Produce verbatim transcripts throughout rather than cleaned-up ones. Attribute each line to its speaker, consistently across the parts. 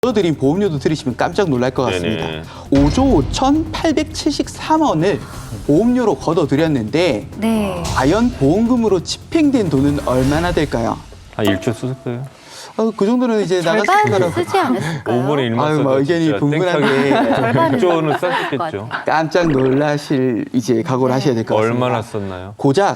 Speaker 1: 드린 보험료도 들으시면 깜짝 놀랄 것 같습니다.
Speaker 2: 네네.
Speaker 1: 오조 오천팔백칠십삼 원을 보험료로 걷어들였는데
Speaker 3: 네.
Speaker 1: 과연 보험금으로 집행된 돈은 얼마나 될까요?
Speaker 2: 한 일조 썼어요?
Speaker 1: 어, 그 정도는 이제 나갔을
Speaker 3: 절반
Speaker 1: 거라고.
Speaker 3: 쓰지 않았을까요?
Speaker 2: 오분의 일만
Speaker 1: 아유,
Speaker 2: 써도
Speaker 1: 뭐 의견이
Speaker 2: 진짜
Speaker 1: 분분하게
Speaker 3: 절반은
Speaker 2: 일조는
Speaker 3: 썼을 것
Speaker 2: 썼겠죠.
Speaker 3: 같아요.
Speaker 1: 깜짝 놀라실 이제 각오를 하셔야 될 것 같습니다.
Speaker 2: 얼마나 썼나요?
Speaker 1: 고작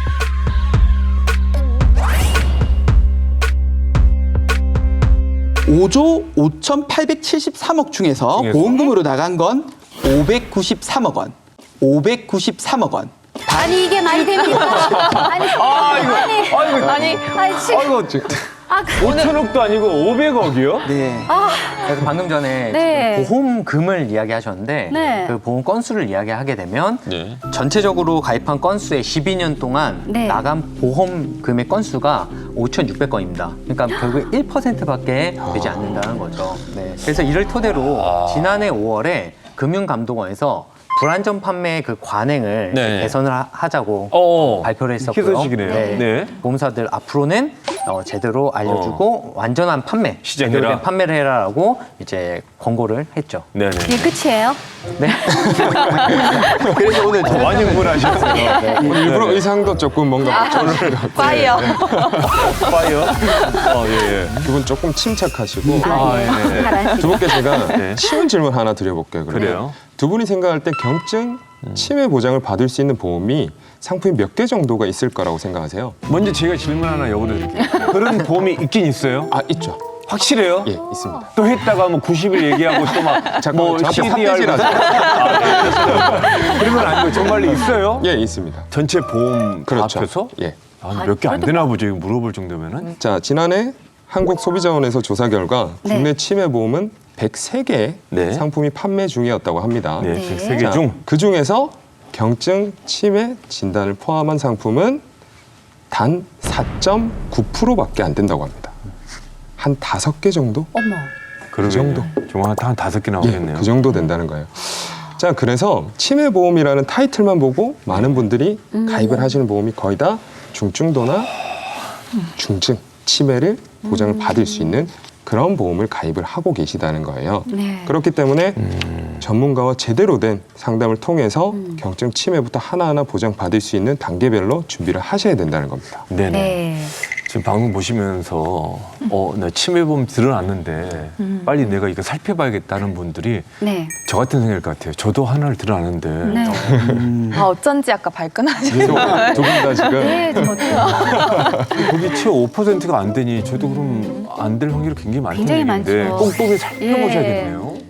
Speaker 1: 오조 오천팔백칠십삼억 중에서
Speaker 2: 중에서?
Speaker 1: 보험금으로 나간 건 오백구십삼억 원. 오백구십삼억 원.
Speaker 3: 아니 이게 말이 됩니까? 아니 아니
Speaker 2: 아이고,
Speaker 3: 아니 아니 지금
Speaker 2: 아이고, 지금
Speaker 3: 아 그-
Speaker 2: 오천억도 아니고 오백억이요?
Speaker 1: 네.
Speaker 4: 그래서 방금 전에
Speaker 3: 네.
Speaker 4: 지금 보험금을 이야기하셨는데
Speaker 3: 네.
Speaker 4: 그 보험 건수를 이야기하게 되면
Speaker 2: 네.
Speaker 4: 전체적으로 가입한 건수의 십이 년 동안
Speaker 3: 네.
Speaker 4: 나간 보험금의 건수가 오천육백 건입니다. 그러니까 결국 일 퍼센트밖에 되지 않는다는 거죠. 네. 그래서 이를 토대로
Speaker 2: 아.
Speaker 4: 지난해 오월에 금융감독원에서 불안전 판매 그 관행을
Speaker 2: 네.
Speaker 4: 개선을 하- 하자고
Speaker 2: 어,
Speaker 4: 발표를 했었고요.
Speaker 2: 희소식이네요. 네.
Speaker 4: 보험사들 앞으로는 어, 제대로 알려주고 완전한 판매,
Speaker 2: 시작해라.
Speaker 4: 제대로 된 판매를 해라라고 이제 권고를 했죠.
Speaker 2: 네네.
Speaker 3: 이게 끝이에요?
Speaker 4: 네.
Speaker 1: 그래서 오늘 저-
Speaker 2: 많이 흥분하셨어요.
Speaker 5: 오늘 일부러 의상도 조금 뭔가 저를
Speaker 3: 파이어.
Speaker 2: 파이어? 어, 예, 예.
Speaker 5: 두 분 조금 침착하시고
Speaker 2: 아, 예.
Speaker 3: 잘하시죠.
Speaker 5: 두 분께 제가
Speaker 2: 네.
Speaker 5: 쉬운 질문 하나 드려볼게요. 그러면.
Speaker 2: 그래요?
Speaker 5: 두 분이 생각할 때 경증 치매 보장을 받을 수 있는 보험이 상품이 몇 개 정도가 있을 거라고 생각하세요?
Speaker 2: 먼저 제가 질문 하나 여쭤드릴게요. 그런 보험이 있긴 있어요?
Speaker 5: 아 있죠.
Speaker 2: 확실해요?
Speaker 5: 예 있습니다.
Speaker 2: 또 했다가 뭐 구십 일 얘기하고 또 막
Speaker 5: 잠깐만,
Speaker 2: 뭐
Speaker 5: 저한테
Speaker 2: 씨디알
Speaker 5: 삿대질하지
Speaker 2: 그런 건 아니고 정말로 있어요?
Speaker 5: 예 있습니다.
Speaker 2: 전체 보험 다
Speaker 5: 그렇죠.
Speaker 2: 합쳐서?
Speaker 5: 예.
Speaker 2: 몇 개 안 되나 보죠. 이거 물어볼 정도면은.
Speaker 5: 자 지난해 한국소비자원에서 조사 결과
Speaker 3: 네.
Speaker 5: 국내 치매 보험은 백세 개의
Speaker 2: 네.
Speaker 5: 상품이 판매 중이었다고 합니다.
Speaker 2: 네,
Speaker 3: 네.
Speaker 2: 백세 개 중.
Speaker 5: 그 중에서 경증 치매 진단을 포함한 상품은 단 사 점 구 퍼센트밖에 안 된다고 합니다. 한 다섯 개 정도?
Speaker 3: 어머.
Speaker 2: 그
Speaker 5: 정도.
Speaker 2: 정말 한 다섯 개
Speaker 5: 예,
Speaker 2: 나오겠네요.
Speaker 5: 그 정도 된다는 거예요. 자, 그래서 치매 보험이라는 타이틀만 보고 많은 분들이 가입을 하시는 보험이 거의 다 중증도나 중증 치매를 보장을 받을 수 있는 그런 보험을 가입을 하고 계시다는 거예요.
Speaker 3: 네.
Speaker 5: 그렇기 때문에
Speaker 2: 음.
Speaker 5: 전문가와 제대로 된 상담을 통해서 경증 치매부터 하나하나 보장받을 수 있는 단계별로 준비를 하셔야 된다는 겁니다.
Speaker 2: 네네.
Speaker 3: 네.
Speaker 2: 지금 방송 보시면서 어, 나 치매보험 들어놨는데 빨리 내가 이거 살펴봐야겠다는 분들이
Speaker 3: 네.
Speaker 2: 저 같은 생각일 것 같아요. 저도 하나를 들어놨는데
Speaker 3: 네.
Speaker 6: 아, 어쩐지 아까 발끈하시죠.
Speaker 5: 두 분 다 지금
Speaker 3: 네, 좀 어때요?
Speaker 2: 거기 채 오 퍼센트가 안 되니 저도 그럼 안 될 확률이 굉장히 많다는
Speaker 3: 굉장히
Speaker 2: 얘기인데
Speaker 3: 많죠.
Speaker 2: 꼼꼼히 살펴보셔야겠네요.